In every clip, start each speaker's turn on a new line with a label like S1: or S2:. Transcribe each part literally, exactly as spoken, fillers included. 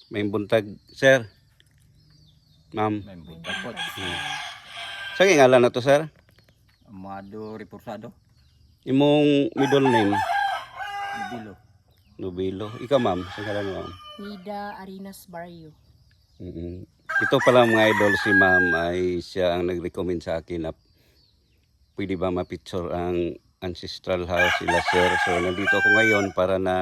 S1: May buntag, sir. Ma'am.
S2: May buntag po.
S1: Hmm. Sa ngalan na to, sir?
S2: Amado Reporsado.
S1: Imong middle name?
S2: Nubilo.
S1: Nubilo. Ikaw, ma'am. Sa ngalan mo, ma'am?
S3: Nida Arinas Barrio.
S1: Mm-hmm. Ito pala mga idol, si ma'am ay siya ang nag-recommend sa akin na pwede ba ma-picture ang ancestral house sila, sir. So nandito ako ngayon para na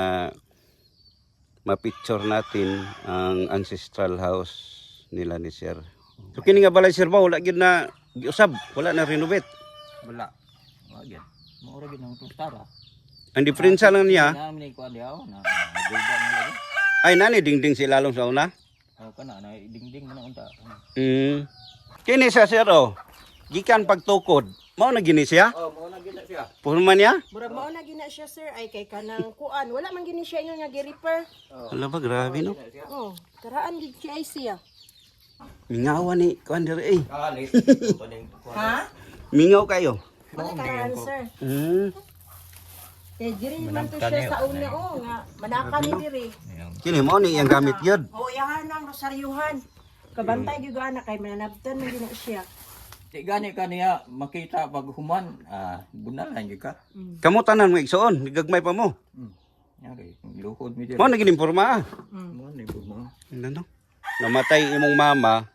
S1: ma-picture natin ang ancestral house nila ni sir. So kini nga balay, sir, ba wala gyud na giusab, wala na renovate.
S2: Wala. Wagyan. Maura gid ang tustara.
S1: Ang diferensya lang niya
S2: Namin ko diaw na nagulban nila.
S1: ay nani dingding si lalong sa una.
S2: Oh kana na dingding man unta.
S1: Mm. Kini sa sir, oh. Gikan pagtukod. Mao na gini siya?
S2: Oh, mo na gid siya.
S1: Purman niya?
S3: Murag mao na gina siya sir ay kay kanang kuan. Wala man gini siya inyo nga gi-repair.
S1: Hala ba, grabe no?
S3: Oh, karaan gid siya ay siya.
S1: Mingawa ni kuan diri eh.
S2: Kali. Paning
S3: Ha?
S1: Mingaw kayo.
S3: Wala karaan sir.
S1: Mm.
S3: Kay diri man to siya sa una oh nga manaka ni diri.
S1: Kini mo ni iyang gamit yun.
S3: Oh, yahan ang rosaryuhan. Kabantay gyud ana kay mananabtan man gina siya.
S2: Di gani kaniya makita pag human ah bunalan gyud ka.
S1: Kamu tanan mo igsoon, gagmay pa mo.
S2: Hmm. Yari, luhod mi diri.
S1: Mo naging imporma ah.
S2: Mo ni mo.
S1: Ano? Namatay imong mama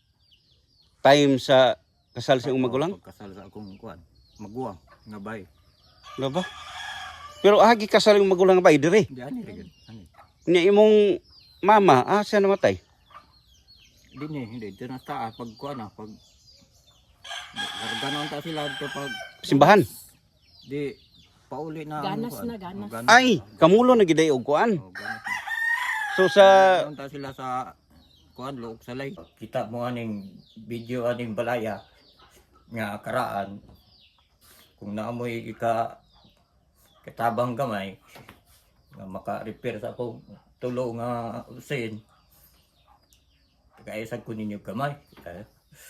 S1: time sa kasal sa imong magulang.
S2: Kasal sa akong kuan. Maguwang nga bay.
S1: Ano ba? Pero agi kasal imong magulang ba diri?
S2: Di ani ra gyud. Ani.
S1: Nya imong mama, ah siya namatay.
S2: Di ni hindi dito na taas pag kuan na pag ganon ta sila dito pag
S1: Simbahan.
S2: di pauli na ang
S3: Ganas
S2: kuan.
S3: na, ganas.
S2: Oh,
S1: Ay, kamulo na giday og kuan.
S2: Oh, ganas na.
S1: So sa
S2: Ganon ta sila sa kuan luok salay. Kita mo aning video aning balaya nga karaan kung naamoy ika katabang gamay nga maka-repair sa akong tulo nga usin kaya ko ninyo gamay. Eh,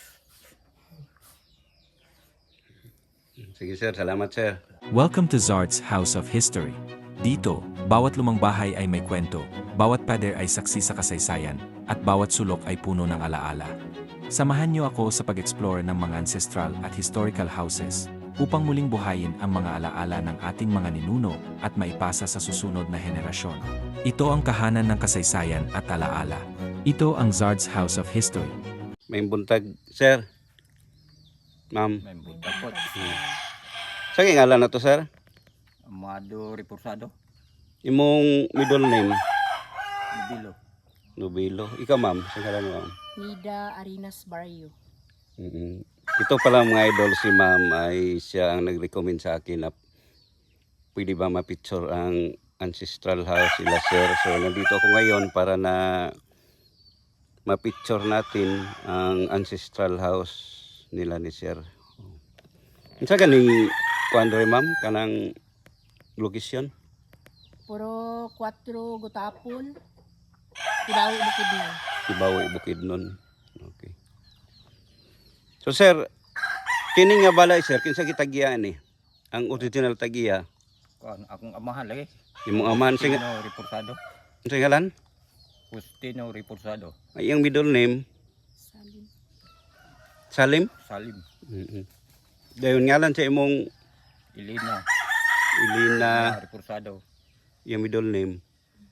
S1: sige sir, salamat sir.
S4: Welcome to Zard's House of History. Dito, bawat lumang bahay ay may kwento, bawat pader ay saksi sa kasaysayan, at bawat sulok ay puno ng alaala. Samahan niyo ako sa pag-explore ng mga ancestral at historical houses upang muling buhayin ang mga alaala ng ating mga ninuno at maipasa sa susunod na henerasyon. Ito ang kahanan ng kasaysayan at alaala. Ito ang Zard's House of History.
S1: May buntag, sir. Ma'am.
S2: may buntag po.
S1: Sa ngalan na to, sir?
S2: Amado Reporsado.
S1: Imong middle name?
S2: Nubilo.
S1: Nubilo. Ikaw, ma'am. Sa ngalan mo, ma'am?
S3: Nida Arinas Barrio.
S1: Mm-hmm. Ito pala mga idol, si ma'am ay siya ang nag-recommend sa akin na pwede ba ma-picture ang ancestral house sila, sir. So nandito ako ngayon para na ma-picture natin ang ancestral house nila ni sir. Isa ganing kuandre ma'am kanang location?
S3: Puro kwatro Gutapon. Tibaw Bukidnon.
S1: Tibawi Bukidnon. Okay. So sir, kini nga balay sir, kinsa gitagiya ni? Ang original tagiya,
S2: Kuan akong amahan lagi.
S1: imong aman sing
S2: Justino Reporsado.
S1: sa ngalan?
S2: Justino Reporsado.
S1: Ay ang middle name
S3: Salim.
S1: Salim.
S2: Salim.
S1: Mm-hmm. Dayon ngalan sa imong
S2: Ilina.
S1: Ilina,
S2: Reporsado.
S1: yung middle name.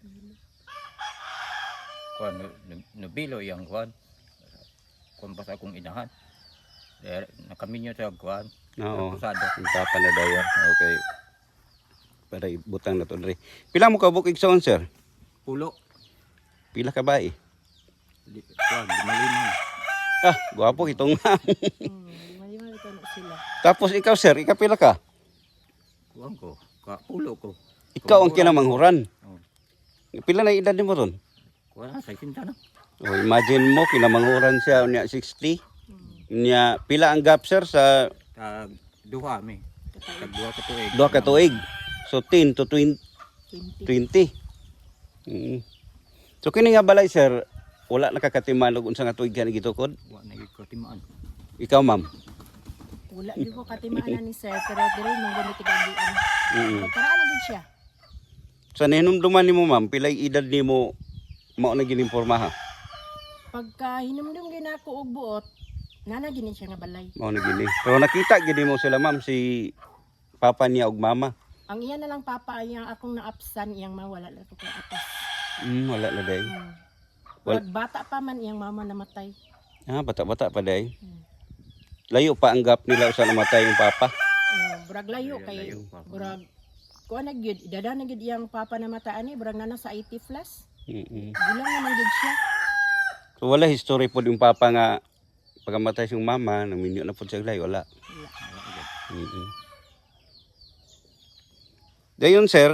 S2: Kuan nubilo yang kuan. Kuan pa sa akong inahan. Eh, nakaminyo sa kuan.
S1: Oo.
S2: Reporsado.
S1: Ang papa na dayo. Okay. Para ibutang na to dre. Pila mo ka bukig sa sir?
S2: Pulo.
S1: Pila ka ba eh?
S2: Di- Kuan limalima.
S1: Ah, gwapo itong nga.
S3: Hmm, lima-lima ito na sila.
S1: Tapos ikaw sir, ikaw pila ka?
S2: Kuan ko. Ka pulo ko.
S1: Ikaw ang kinamanghuran.
S2: Oh.
S1: Pila na edad nimo ron?
S2: Kuan sa kinta na.
S1: Oh, imagine mo kinamanghuran siya unya sixty. Nya pila ang gap sir sa
S2: Tag duha mi. Tag duha ka tuig.
S1: duha ka tuig. So ten to twenty.
S3: twenty.
S1: twenty. Mm. So kini nga balay sir, wala nakakatiman og unsa nga tuig ka gitukod?
S2: Wa na gyud ko timaan.
S1: Ikaw ma'am.
S3: Wala di ko katimaan ni sir pero diri mong gamit tigagian.
S1: Mm.
S3: Karaan na din siya.
S1: Sa ninumduman nimo ma'am, pilay edad nimo mao na gininforma ha.
S3: Pagka hinumdum gina ako og buot, nana gini siya nga balay.
S1: Mao na gini. Pero nakita gini mo sila ma'am si papa niya ug mama.
S3: Ang iya na lang papa yang akong naapsan iyang mawala na ko kay atas.
S1: Mm, wala na day.
S3: Hmm.
S1: Wal-
S3: Wal- bata pa man iyang mama namatay.
S1: Ah, bata-bata pa day.
S3: Hmm.
S1: Layo pa ang gap nila usa namatay yung papa.
S3: Uh, burag layo kay
S2: Layo pa.
S3: burag kuha na gyud dada na gyud iyang papa namatay ani burag nana sa eighty plus.
S1: Mm-mm.
S3: Gulang naman gyud siya.
S1: So wala history po yung papa nga pagkamatay siyang mama, naminyo na po siya layo, wala.
S3: Wala.
S1: Mm-mm. Dayon sir,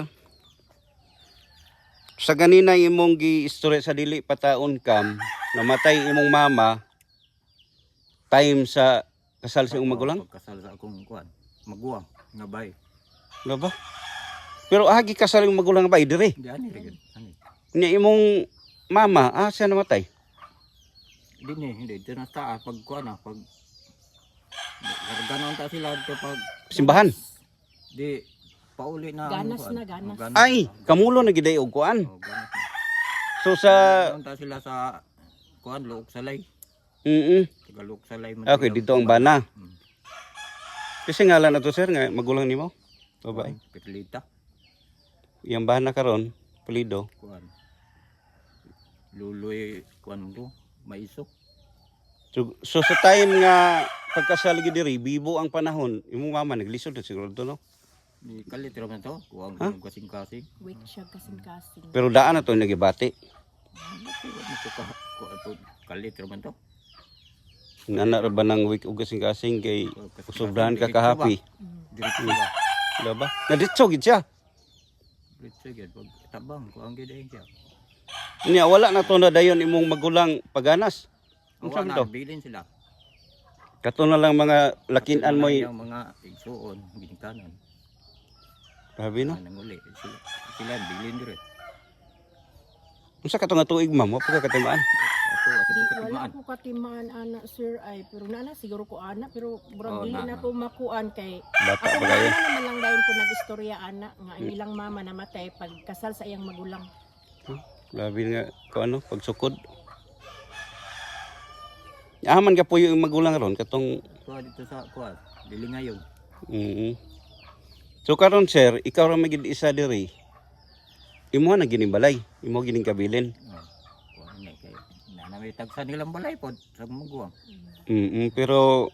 S1: sa ganina imong gi-istorya sa dili pataon kam, namatay imong mama time sa kasal sa imong magulang,
S2: Pagkasal sa akong kuan, maguwang nga bay.
S1: ano ba? Pero agi kasal imong magulang ba dire?
S2: Di ani ra gyud. Ani.
S1: Nya imong mama, ah siya namatay.
S2: Di ni, hindi dito na taas pag kuan na pag ganon ta sila dito pag
S1: Simbahan.
S2: di pauli na ang
S3: Ganas
S2: kuan.
S3: na, ganas.
S2: Oh,
S1: Ay,
S2: na.
S1: kamulo na giday og kuan.
S2: Oh, ganas na.
S1: So sa
S2: Ganon ta sila sa kuan luok salay.
S1: mm
S2: Tagalog salay man.
S1: okay,
S2: sila.
S1: dito ang bana.
S2: Hmm.
S1: Kasi ngalan na to sir nga magulang nimo. Babae.
S2: Kuan, Petlita.
S1: Yang bana karon, Pulido.
S2: Kuan. Luloy kuan do, maiso.
S1: So, so sa time nga pagkasal gid diri, bibo ang panahon, imong mama naglisod na siguro to no.
S2: Ni kalit ra man to, kuang
S1: Ha?
S2: kasing-kasing.
S3: Weak siya kasing-kasing.
S1: Pero daan na to nagibati.
S2: Bakit mo to ka kuan to kalit ra man to.
S1: Nana ra ba nang week ug kasing-kasing kay
S2: Oh, kasing-kasing,
S1: usobran ka
S2: diretso
S1: kahapi.
S3: Mm.
S2: Diretso ba?
S1: Wala ba? Naditso gid siya.
S2: Diretso gyud pag tabang kuang gyud ay siya.
S1: Nya wala na to na dayon imong magulang paganas. Unsa
S2: Kuan
S1: man
S2: na
S1: to?
S2: bilin sila.
S1: Kato na lang mga lakinan mo
S2: yung mga igsuon ginikanan.
S1: Grabe no.
S2: Nang uli sila. Sila bilin dire.
S1: Unsa ka to nga tuig ma'am? Wa pa ka katimaan.
S2: Ako sa
S3: Di, wala
S2: katimaan.
S3: ko katimaan ana sir ay pero nana siguro ko ana pero burag
S2: Oh,
S3: dili
S2: na-
S3: na ko makuan kay
S1: Bata
S3: ako
S1: pa kayo.
S3: na naman lang dayon ko nagistorya ana nga ang ilang mama namatay pag kasal sa iyang magulang.
S1: Grabe nga ko ano pagsukod. Aman ka puyo yung magulang ron katong
S2: Kuha dito sa kuha. Dili ngayon.
S1: mm So karon sir, ikaw ra magid isa diri. Imo na gining balay, imo gining kabilin.
S2: Oh. Kuha ni kay na may tagsa nilang balay pod sa maguwang.
S1: Mm pero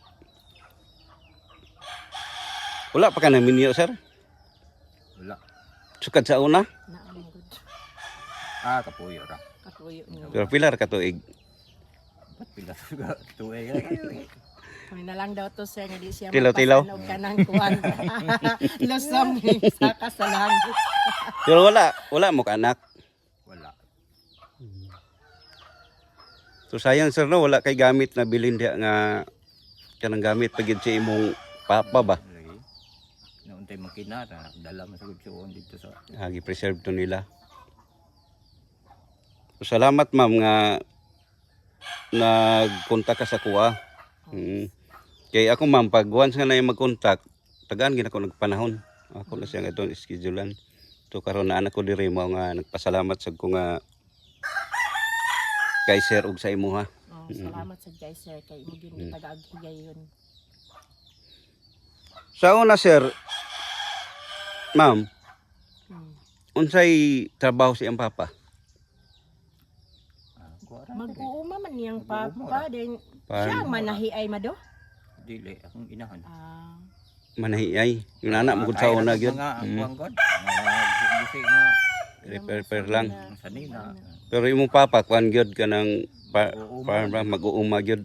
S1: wala pa ka namin niyo sir.
S2: Wala.
S1: Sukad sa una,
S3: Naamon gud.
S2: Ah, kapuyo ra.
S3: Katuyo niyo.
S1: pero pilar ka tuig.
S2: Ba't pila sa tuway?
S3: Kami na lang daw to sir nga di siya
S1: Tilaw-tilaw.
S3: mapasanog ka ng kuan. Lusong sa kasalangit.
S1: Pero wala, wala mo ka anak.
S2: Wala.
S1: So sayang sir no, wala kay gamit na bilin dia nga kanang gamit pagid sa imong papa ba.
S2: Lagi. Nauntay makina na dala man sa gudsuon dito sa
S1: Agi preserve to nila. So, salamat ma'am nga nagkontak ka sa kuha. Mm. Kay ako ma'am pag once nga na yung mag-contact, tagaan gid ako nagpanahon. Ako na siya nga itong schedulean. So karon na anak ko diri mo nga nagpasalamat sa ko nga kay sir ug sa imo ha.
S3: Oh, salamat sa guys sir kay mo gyud taga-aghigay yun.
S1: Sa una sir, ma'am,
S3: Hmm.
S1: unsay trabaho si ang papa?
S2: ah, kuha ra.
S3: Mag-uuma man niyang
S2: Mag-uuma
S3: papa then
S1: Pan-
S3: siya ang manahi ay mado.
S2: Dili akong inahan.
S3: Ah,
S1: Manahiyay. Yung anak mo gud sa
S2: Ay,
S1: una
S2: ang
S1: gyud.
S2: Mga
S1: Mm.
S2: kuwang god. Mga gisi nga
S1: Repair-repair lang.
S2: ang sanina.
S1: Pero imong papa kuan gyud kanang pa,
S2: Mag-uuma.
S1: farm ba mag-uuma gyud.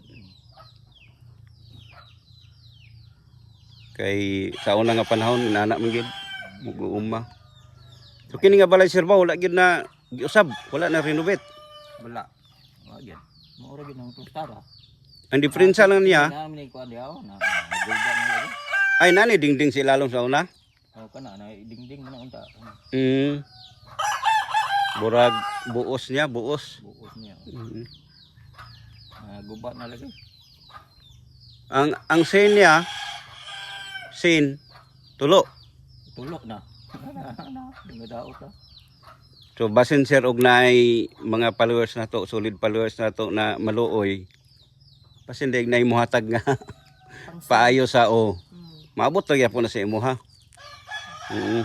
S1: Kay sa una nga panahon inana man gyud mag-uuma. So kini nga balay sir ba wala gyud na giusab, wala na renovate.
S2: Wala. Wala gyud. Maura gyud ang plastara.
S1: Ang diferensya lang niya
S2: Namin ni kuan diaw na nagulda na lagi.
S1: ay nani dingding si lalong sa una.
S2: Oh kana na dingding na unta.
S1: Mm. Burag buos niya, buos.
S2: Buos niya.
S1: Mm.
S2: Ah, guba na lagi.
S1: Ang ang sin niya sin tulo.
S2: Tulok na. Na, na, daot na.
S1: So basin sir og naay mga followers na to, solid followers na to na maluoy. Basin dig naay muhatag nga paayo sa o. Maabot ra gyapon na sa imo ha. Mm.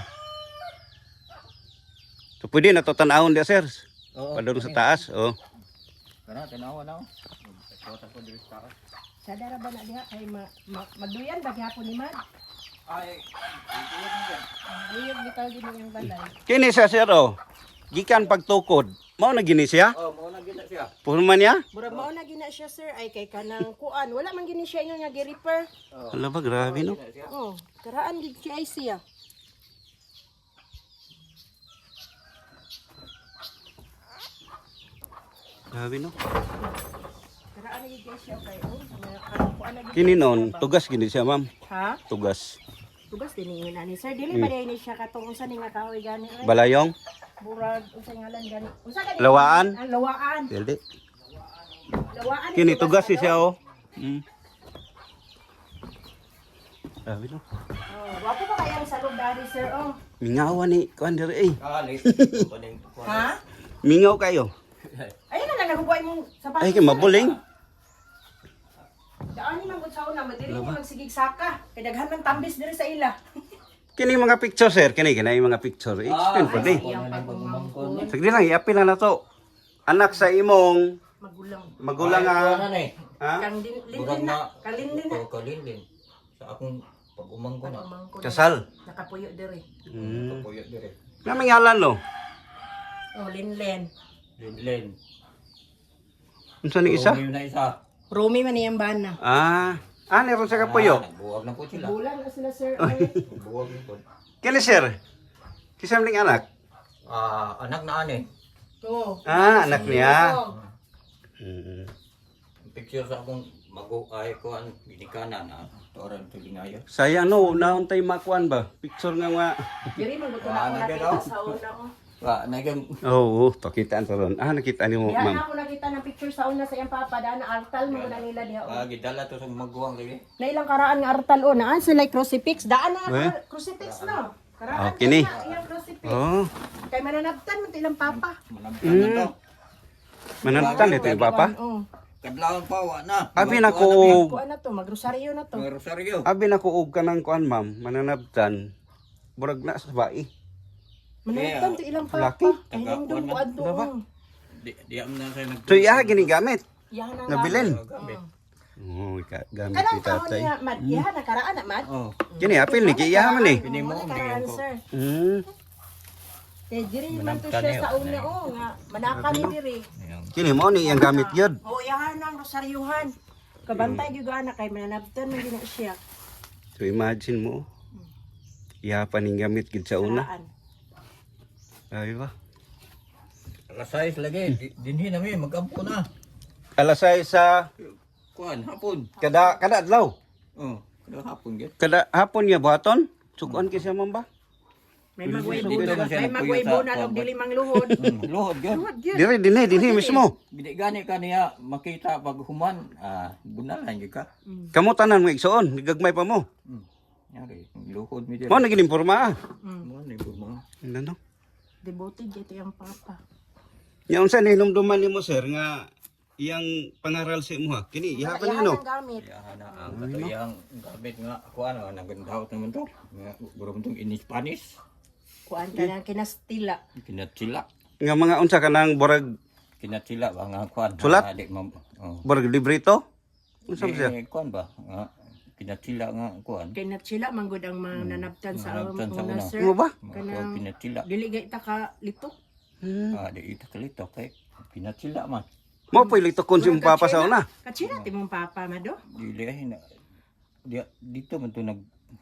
S1: So pwede na to tan-awon dia sir.
S2: Oo.
S1: Padung sa taas, oh.
S2: Kana tanawa na. Kota ko diri sa taas.
S3: Sa dara ba na diha kay ma, ma, magduyan ba gyapon ni Mad?
S2: Ay, ito yan.
S3: Liyog bitaw din yung balay.
S1: Kini siya sir oh. Gikan pagtukod. Mao na gini siya?
S2: Oh, mo na gina siya.
S1: Purman niya?
S3: Murag mao na gina siya sir ay kay kanang kuan. Wala man gini siya ingon nga gi-repair.
S1: Hala ba grabe no.
S3: Oh, karaan gid siya ay siya.
S1: Grabe no.
S3: Karaan gid siya kay oh. nga- kanang kuan na gid.
S1: Kini non, tugas gini siya ma'am.
S3: Ha?
S1: Tugas.
S3: Tugas din ingon ani sir. Dili ba ni siya katong unsa ni nga kahoy gani ay.
S1: Balayong,
S3: Murag unsa ngalan gani. Unsa gani?
S1: Lawaan?
S3: Ang lawaan.
S1: dildi.
S3: Lawaan.
S1: Kini tugas
S3: ano?
S1: siya oh. Mm. Grabe no.
S3: Oh, wapo pa kaya sa loob dari sir oh.
S1: Mingawa ni kuan diri eh.
S2: Kali. Paning
S3: Ha?
S1: Mingaw kayo.
S3: Ayun na lang nagubuhay mong sapatos.
S1: Ay kay mabuling.
S3: Daan ni manggut sa una, madili ni magsigig saka. Kay daghan man tambis diri sa ila.
S1: Kini mga picture sir, kini kini mga picture. Explain po di.
S3: Iyang pagmamangkon.
S1: Sige lang, i-apil na na to. Anak sa imong
S3: Magulang.
S1: magulang
S2: Ano
S1: nga.
S2: na eh.
S1: Ha?
S3: Kang din
S2: Burag
S3: lindin na.
S2: na.
S3: Kalindin na.
S2: Oh, kalindin. Sa akong pag-umang ko na.
S3: Pagmamangkon.
S1: Kasal.
S3: Nakapuyo diri.
S1: Mm.
S2: Kapuyo dire.
S1: Naming ngalan no.
S3: Oh, linlen.
S2: Linlen.
S1: Unsa ni isa?
S2: Romy na isa.
S3: Romy man iyang bana.
S1: Ah, ah, meron sa kapuyo.
S2: Ah, nagbuwag na po sila.
S3: Bulan na sila sir. Ay.
S2: Buwag na po.
S1: Kini sir. Kisam ning anak.
S2: Ah, anak na ani.
S3: Oh.
S1: Ah, anak niya.
S3: Oh.
S1: Mm.
S2: Picture sa akong mago ay ko an binikana na toran tulingayo.
S1: Sayang no, naon tay makuan ba? Picture nga nga.
S3: Diri man buto
S2: Ah,
S3: na ako
S2: nagano?
S3: nakita sa una oh.
S2: Wa nagam
S1: Oo, oh, pakitaan to ron. Ah, nakita ni mo,
S3: Diyan
S1: ma'am.
S3: na ako nakita ng picture sa una sa iyang papa. Daan na artal mo na nila diha.
S2: ah,
S3: Oh.
S2: gidala to sa maguwang lagi.
S3: Na ilang karaan nga artal o. Naan sila crucifix. Daan na
S1: Eh?
S3: ako. Crucifix no.
S1: Oh,
S3: Karaan
S1: kini.
S3: na iyang crucifix.
S1: Oh,
S3: Kay mananabtan mo ilang papa.
S2: Manamtan na to.
S1: manantan ito yung papa.
S3: Oh.
S2: Kadlawon pa wa na.
S1: Abi na ko,
S3: Kuan na to, magrosaryo na to.
S2: Mga rosaryo.
S1: abi na ko og kanang kuan ma'am, mananabtan. Burag na sa bae.
S3: Mananabtan to ilang
S1: Laki.
S3: papa. Ay nang dong kuan to.
S1: Diba?
S3: oh.
S2: Di di am na sa nag.
S1: So iya ginigamit.
S3: Yahan ang
S1: Nabilin.
S2: Gamit.
S1: Oh, ka- gamit
S3: Kanang
S1: ni
S3: kahon
S1: tatay.
S3: niya, Mad. Yahan na karaan na, Mad.
S2: Oh.
S1: Kini apil ni kiya man eh.
S2: Kini mo,
S3: Mo
S2: hindi
S3: karaan,
S2: ko.
S3: sir.
S1: Hmm.
S3: Kay diri man to
S2: Manabtan
S3: siya
S2: niyo.
S3: sa una oh nga manaka ni diri.
S2: Ayan.
S1: Kini mo ni iyang gamit gyud.
S3: Oh, yahan ang rosaryuhan. Kabantay gyud ana kay mananabtan man gina siya.
S1: So imagine mo. Iya pa ning gamit gid sa una.
S3: Karaan.
S1: Ay ba?
S2: Alas sais lagi. Di- Dinhi na mi magampo na.
S1: Alasay sa
S2: Kuan hapon.
S1: kada kada adlaw.
S2: Oh, kada hapon gid.
S1: Kada hapon niya buhaton. Sukuan kisa man ba?
S3: May magway
S2: Dito
S3: bunan,
S2: man siya
S3: may
S2: nagpuyo
S3: magway
S2: sa
S3: bunan og
S2: kuwan.
S3: dili mang luhod.
S2: Hmm, Luhod gid.
S3: Luhod gyud.
S1: Dire dinhi dinhi mismo.
S2: Gidi gani ka niya makita pag human, ah, bunalan gyud ka.
S1: Kamo tanan mo igsoon, gagmay pa mo.
S2: Hmm. Yari, luhod mi
S1: Mo
S2: diri.
S1: naging imporma ah.
S3: Mm.
S2: Mo ni mo.
S1: Ano?
S3: Devoted gyud iyang papa.
S1: Nya unsa ni hinumduman nimo sir nga iyang pangaral sa imo ha? Kini iha pa
S3: Yahan
S1: nino.
S3: ang gamit.
S2: Ya na ang katuyang gamit nga ako ano nagandaw naman to. Nga guro tong in Spanish.
S3: Kuan ka na kinastila.
S2: Kinatsila.
S1: Nga mga unsa kanang borag
S2: Kinatsila ba nga kuan.
S1: Sulat?
S2: Adik mam. Oh.
S1: borag librito? Unsa ba siya?
S2: Eh, kuan ba? Nga kinatsila nga kuan.
S3: Kinatsila man gud ang mananabtan sa
S2: Mananabtan sa
S3: una
S2: una.
S3: sir.
S1: Mo ba?
S3: Kanang
S2: Kinatsila.
S3: dili gay ta ka litok.
S1: Hmm.
S2: Ah, di ita kalito kay kinatsila man.
S1: Mo pili to kon si mong papa sa una.
S3: Katsila ti mong papa mado.
S2: Dili ay na. Di, dito man to nag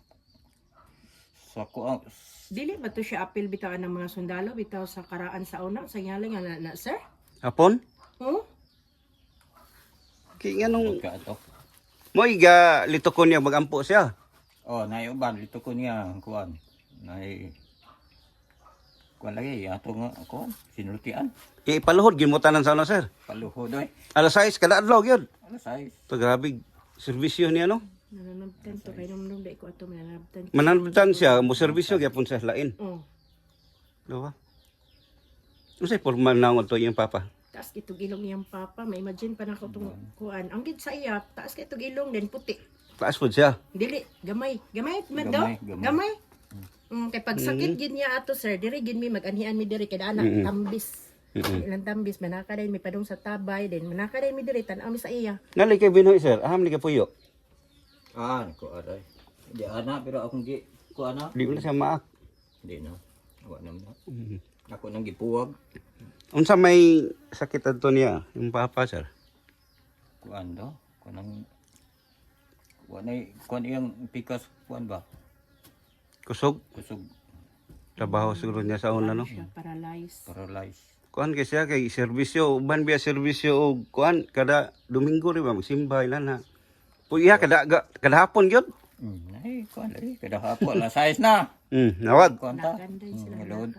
S2: sa kuan.
S3: Dili ba to siya apil bitaw ng mga sundalo bitaw sa karaan sa una sa ngalan nga na, na sir?
S1: Hapon?
S3: Oh?
S1: Kay nga nung
S2: Ka ato.
S1: mo iga litokon niya magampo siya.
S2: Oh, nay uban dito ko niya kuan. Nay kuan lagi ato nga kuan sinultian.
S1: Ipaluhod gyud mo tanan sa una sir.
S2: Paluhod oy.
S1: Alas sais kada adlaw gyud.
S2: Ano size?
S1: To grabe serbisyo niya no.
S3: Nananabtan to kay nung nung dai ko ato mananabtan.
S1: Mananabtan siya mo serbisyo gyapon sa lain.
S3: Oh.
S1: Diba? Unsay formal na to iyang papa?
S3: Taas kitog ilong niyang papa, may imagine pa na ko itong kuan. Ang gid sa iya, taas kitog ilong din puti.
S1: Taas po siya.
S3: Dili, gamay. Gamay, mado?
S2: Gamay, gamay.
S3: Gamay. Mm, kay pag sakit gid niya ato sir, diri gid mi mag-anhian mi diri kay anak
S1: Mm-mm.
S3: tambis.
S1: Mm-mm.
S3: Ilang tambis manaka din mi padung sa tabay din. Manaka din mi diri tan-aw mi sa iya.
S1: Nali kay Binoy sir, aham ni kapuyo.
S2: Ah, ko aray. Di ana pero akong gi ko ana.
S1: Di mo na siya maak.
S2: Di na. Wa naman.
S1: Mhm.
S2: Ako nang gipuwag.
S1: Unsa may sakit adto niya, yung papa sir?
S2: Kuan do. Kuan kuan ay kuan iyang pikas kuan ba?
S1: Kusog,
S2: Kusog
S1: trabaho siguro niya sa una no.
S3: Siya paralyzed.
S2: paralyzed.
S1: Kuan kay siya kay serbisyo, uban biya serbisyo og kuan kada Domingo ri ba magsimba ilan na. Puya kada ga- kada hapon gyud.
S2: Mm, ay kuan ay kada hapon la size na.
S1: Hmm, nawad.
S2: Kuan ta.
S3: Naganday sila.
S2: Mm, load.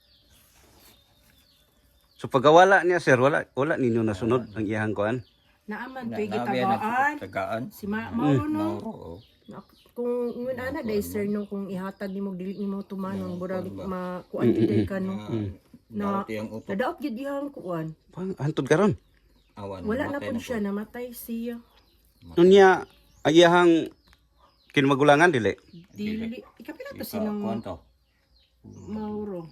S1: So pagkawala niya sir, wala wala ninyo nasunod ang iyang kuan.
S3: Naaman
S2: Na-
S3: to'y
S2: nabi na
S3: gitagaan.
S2: tagaan.
S3: Si Ma Mauro no.
S2: Mauro. oh.
S3: Na- Kung ngun ana day sir no kung ihatag nimo dili nimo tumanon burag ma kuan gid ka no.
S2: Na tiyang utok.
S3: Nadaot gid ihang kuan.
S1: Pang antod karon.
S2: Awan.
S3: Wala na
S2: matay
S3: pud siya namatay siya.
S1: Nunya ayahang kinmagulangan dili.
S3: Dili ikapila to
S2: Ika, kuan
S3: sinong
S2: to.
S3: Mauro.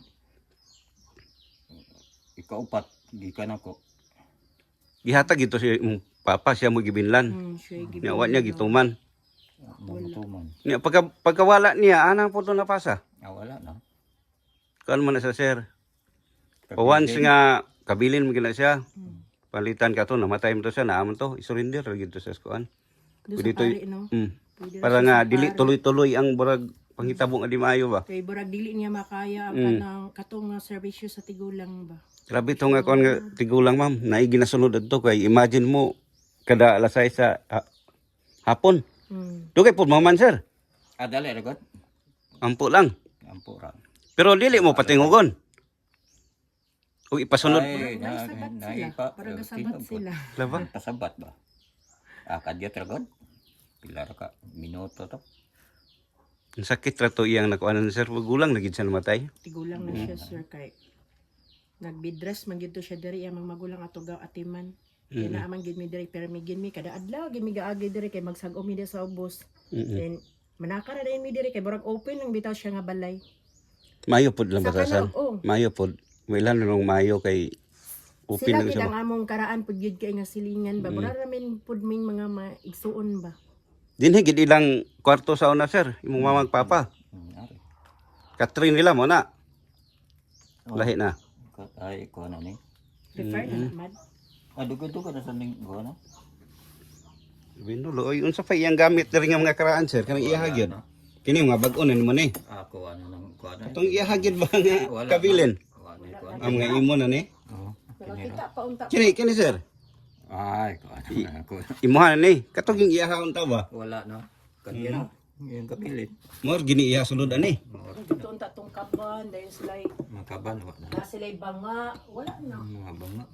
S2: Ikaupat. Gikan ako.
S1: Gihatag ito si imong papa siya mo gibinlan.
S3: Hmm, siya gid.
S1: Nya wa niya gituman.
S2: Mamutuman.
S1: Nya pagka pagkawala niya anang puto na pasa.
S2: Ah, wala na.
S1: Kuan man na sa sir. Once nga kabilin mo gina siya. Palitan ka to, namatay mo to siya, naamon to, isurrender lagi to sa kuan.
S3: Do
S1: Pwede
S3: sa
S1: to,
S3: pari no.
S1: mm.
S3: Pwede ra
S1: Para
S3: siya
S1: nga
S3: sa
S1: dili
S3: pari.
S1: tuloy-tuloy ang burag panghitabong adi maayo ba.
S3: Kay burag dili niya makaya ang
S1: Mm.
S3: kanang katong nga serbisyo sa tigulang ba.
S1: Grabe to nga kuan nga tigulang ma'am, naigi na sunod adto kay imagine mo kada alasay sa ha- hapon.
S3: Hmm.
S1: Dugay pud maman sir.
S2: Ah, dali, ragot.
S1: Ampo lang.
S2: Ampo ra.
S1: Pero dili mo patingugon. Ug ipasunod.
S2: Ay,
S3: Parang
S2: na,
S3: sabat
S2: na,
S3: sila.
S2: ipa-
S3: Parang
S2: eh,
S3: kasabat
S2: tinog po.
S3: sila.
S1: Laba.
S2: Pasabat ba? Ah, kadyat ragot. Pilar ka, minuto to.
S1: Ang sakit ra to iyang nakuanan sir, gulang lagi siya namatay.
S3: Tigulang na siya sir kay nagbidress man gid to siya diri amang magulang ato gaw atiman. Kaya
S1: Mm.
S3: naaman gid mi diri pero mi gid mi kada adlaw gid mi gaagi diri kay magsag-o mi diri sa ubos.
S1: Mm-mm.
S3: Then manaka ra din mi diri kay burag open lang bitaw siya nga balay.
S1: Mayo pud lang
S3: Sa
S1: batasan.
S3: kanang- oh.
S1: Mayo pud. Wailan nung mayo kay open
S3: Sila
S1: lang
S3: gid
S1: siya.
S3: ang among karaan pud gid kay nga silingan ba. Mura ra min pud ming mga maigsuon ba.
S1: Dinhi gid ilang kwarto sa una sir, imong mamang papa.
S2: Hmm, ari.
S1: Katrin nila mo na. Lahi na.
S2: Kat ay ko na ni.
S3: Refer na mad.
S2: Ah, dugo-dugo na sa ning go na.
S1: Binulo, oy unsa pa iyang gamit diri nga mga karaan sir, kanang iyahagyod. Kini mga bag-on na naman eh.
S2: Ako ano nang ko na.
S1: Atong iyahagyod ba nga kabilin?
S2: Wala ko.
S1: Ang mga imo na ni.
S2: Oh.
S3: Nakakita pa unta.
S1: Kini kini sir.
S2: Ay, ko ano na ako.
S1: Imuha ni. Katong yung iyahon ta ba?
S2: Wala na. Kanya. Yung kapilit.
S1: More gini iya sulod ani.
S3: Dito unta tong kaban dahil sila
S2: Makaban wala na.
S3: na sila banga wala na.
S2: Mga banga.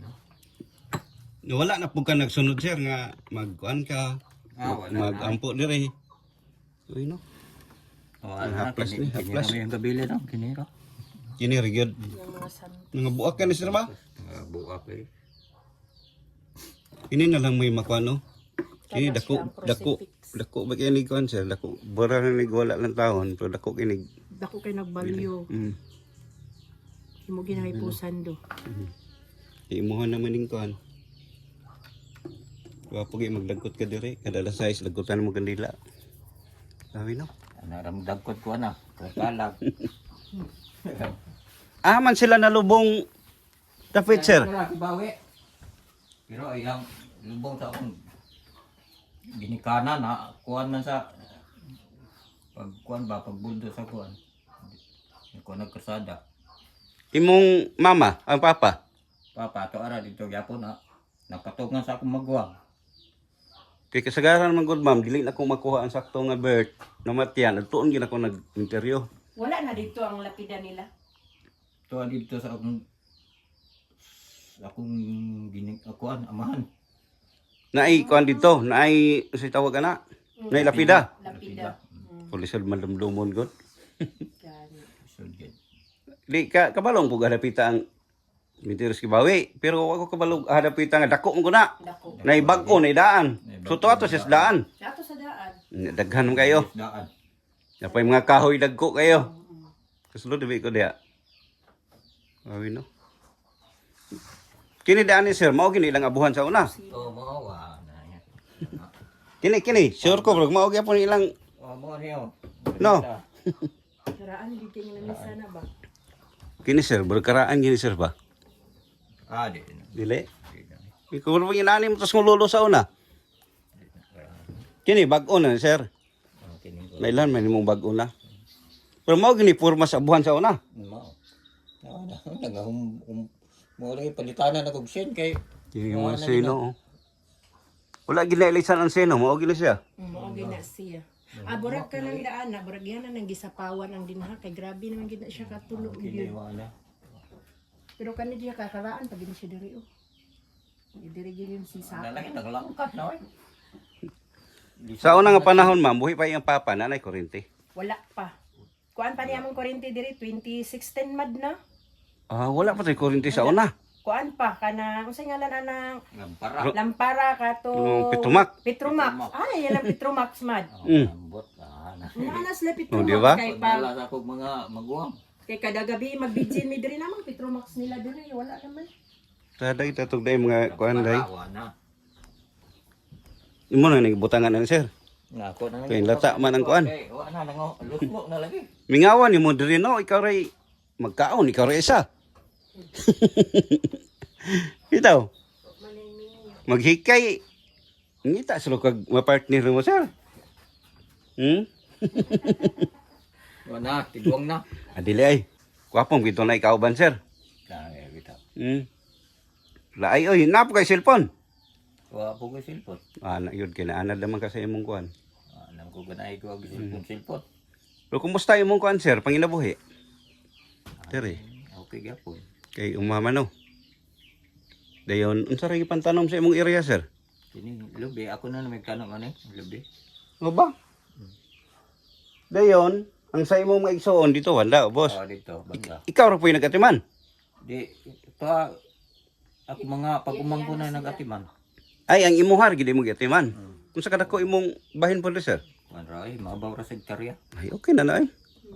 S1: Wala na pud ka nagsunod sir nga magkuan ka.
S2: Ah, wala na.
S1: Magampo diri. Uy no.
S2: Oh,
S1: Ang
S2: ano
S1: haplas
S2: kini
S1: ni, haplas.
S2: Kini yung kabilet ang kinira.
S1: Kini rigyod.
S3: Yung mga san
S1: Mga buak ka ni sir ba?
S2: Mga buak eh.
S1: Ini na lang may makuano. Kini
S3: Tapos
S1: dako
S3: yung
S1: dako
S3: crucifix.
S1: dako ba kini kuan sir? Dako bara na ni wala lang taon pero dako kini.
S3: Dako kay nagbalyo.
S1: Mm.
S3: Imo ginahipusan do.
S1: Imuha naman ning kuan. Wa pagi magdagkot ka diri, kada alas sais lagutan mo kandila. Sabi no.
S2: Naramdagkot ko na. Kalag.
S1: Ah man sila nalubong tapit sir.
S2: Wala kibawi. Pero ayang lubong sa akong ginikana na kuan man sa pag kuan ba pagbuldo sa kuan. Kuan nagkasada.
S1: Imong mama, ang papa.
S2: Papa to ara dito gyapon na nakatugan sa akong magwang.
S1: Kay kasagaran man gud ma'am, dili na ko makuha ang sakto nga birth. Namatyan, tuon gyud ako nag-interview.
S3: Wala na dito ang lapida nila.
S2: To dito sa akong sa akong ginik kuan amahan.
S1: Naay kuan dito, naay si tawag ana. Naay lapida.
S3: Lapida.
S1: Pulisod malumdumon gud.
S3: Gani.
S2: So gid.
S1: Di ka kabalong pug adapita ang Mentiros kibawi. Pero ako kabalog hadapitan nga dako mo na.
S3: Dako.
S1: Nay bag-o nay daan. So to ato sa daan.
S3: Sa ato sa daan.
S1: Daghan mo kayo.
S2: Daan.
S1: Napay mga kahoy dagko kayo. Kasulod dibi ko diya. Awi no. Kini daan ni sir, mao gini ilang abuhan sa una.
S2: Oh, mawa na yan.
S1: Kini kini, sure ko bro, mao gyapon ilang
S2: Oh, mo niyo.
S1: No.
S3: Karaan dito nga na sana ba?
S1: kini sir, berkaraan gini sir ba?
S2: Ah, di.
S1: Dili. Ikaw mo inani mo tas ngululo sa una. Kini bag-o na sir.
S2: Oh, kini ko.
S1: Nailan man imong bag-o na. Pero mao gini purma sa abuhan sa una.
S2: Mao. Ah, nga hum hum mo rin palitanan na kog sen kay
S1: Kini mo sino. oh. Wala ginailisan ang sino, mao gini siya.
S3: Mao gina siya. Ah, burag ka lang daan na, burag yan na nang gisapawan ang dinha kay grabe naman gid na siya katulog
S2: kini
S3: gyud.
S2: wala.
S3: Pero kani diya kakaraan pag hindi siya diri oh. Diri gyud yung si Saka.
S2: Nalaki naglangkat na oy.
S1: Sa una nga panahon ma'am, buhi pa iyang papa nanay kurente.
S3: Wala pa. Kuan pa niya mong kuryente diri twenty sixteen mad na.
S1: Ah, wala pa tay kurente sa una.
S3: Kuan pa kana unsay ngalan anang
S2: Ngampara.
S3: Lampara kato
S1: Yung Petromac.
S3: Petromac. Ay, yan ang Petromax mad.
S1: Mm.
S2: Ambot ah na.
S3: Naana sila
S1: Oh,
S3: Petromax
S1: di ba?
S3: kay pa
S2: Pagdala sa kog mga maguwang.
S3: kay kada gabi magbidjin mi diri namang Petromax nila diri wala naman.
S1: Taday tatog day mga kuan day.
S2: Parawa na.
S1: Imo na nagibutangan na sir.
S2: Nga ako na.
S1: Kay lata man ang kuan.
S2: Okay, wa na nang lusmo na lagi.
S1: Mingawan ni mo diri no, ikaw ray magkaon, ikaw ray isa. Itaw, maghikay. Ngita sila kag mapartner mo sir. Hmm?
S2: Wa na, tigwang na.
S1: Adili ay. Kuwapong bito na ikaw ban sir.
S2: Kaya bitaw.
S1: Hmm. Laay oy, napo kay cellphone.
S2: Wa po ko silpot.
S1: Ah, na yun kinaanad naman kasi imong kuan.
S2: Ah, nang ko ganay ko ang silpot silpot.
S1: Pero kumusta imong kuan sir, panginabuhi? Diri.
S2: Okay gyapon.
S1: Kay umama no. Dayon, unsa ra gipantanom sa imong area sir?
S2: Kini lubi ako na nagtanong ano lubi.
S1: O ba? Dayon, ang sa imong mga igsoon dito wala, boss.
S2: Oh dito banda.
S1: Ikaw ra po yung nagatiman.
S2: Di pa ako mga pagumang ko na nagatiman.
S1: Ay, ang imuhar gid mo gatiman. Kung sa kadako imong bahin po sir.
S2: Man ray mabaw ra sa hektarya.
S1: Ay, okay na na ay.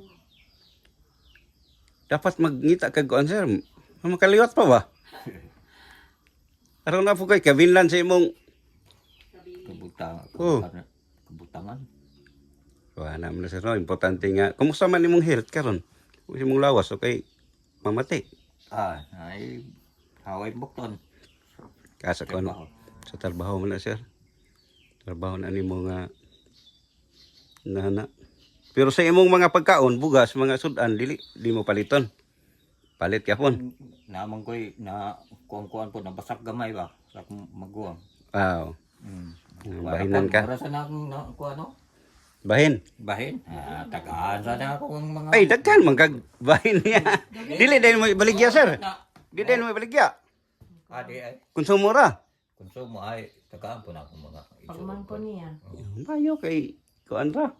S1: Dapat magngita kag kuan sir. Makaliwat pa ba? Araw na po kay kabinlan sa imong
S2: Kabutang.
S1: Oh.
S2: Kabutangan.
S1: Wala naman na sir, no? Importante nga. Kumusta man imong health karon? Kung imong lawas okay mamati.
S2: Ah, ay haway bukton.
S1: Kasa ko ano? Sa trabaho mo na sir. Trabaho na nimo nga nana. Pero sa imong mga pagkaon, bugas, mga sudan, dili di mo paliton. Palit ka pon.
S2: Namang ko'y na kuang-kuang po nabasak gamay ba sa akong maguwang.
S1: Wow.
S2: Mm.
S1: Bahinan ka.
S2: Para sa na akong na kuha no?
S1: Bahin.
S2: Bahin. Ah, tagaan sa na ako ang mga
S1: Ay, daghan man kag bahin niya. Dili din mo ibaligya sir.
S2: na.
S1: Dili din mo ibaligya.
S2: Adi ay
S1: Konsumo ra.
S2: konsumo ay tagaan po na akong mga
S3: Pagman ko niya.
S1: Mayo kay kuan ra.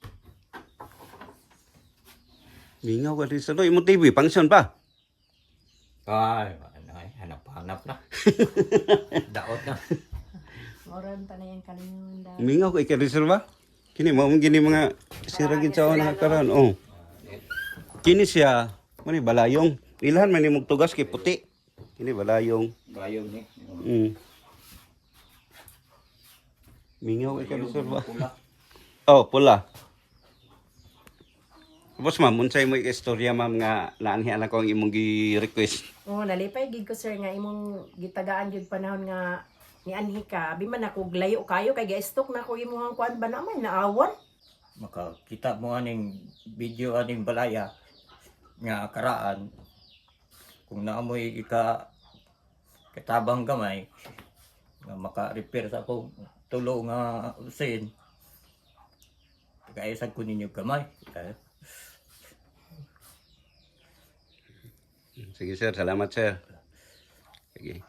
S1: Mingaw ka rin sa doy. Imong T V, function pa.
S2: Ay, ano ay, hanap-hanap na. Daot na.
S3: Moran ta na yung kalingon da.
S1: Mingaw kay ka rin ba? Kini mo mong gini mga siragin sa una karon. Oh. Kini siya, mani balayong. Ilahan man imong tugas kay puti. Kini balayong.
S2: Bayog ni.
S1: Mm. Mingaw kay ka rin ba?
S2: Pula.
S1: Oh, pula. Boss ma'am, unsay mo istorya ma'am nga naanhian ako ang imong gi-request.
S3: Oh, nalipay gid ko sir nga imong gitagaan jud panahon nga ni anhi ka. Abi man ako glayo kayo kay ga-stock na ko imong kuan ba naman naawon.
S2: Makakita mo aning video aning balaya nga karaan kung naamoy ika katabang gamay nga maka-repair sa akong tulo nga usin kaya sa ko ninyo gamay. Eh,
S1: Sige sir, salamat sir. Sige.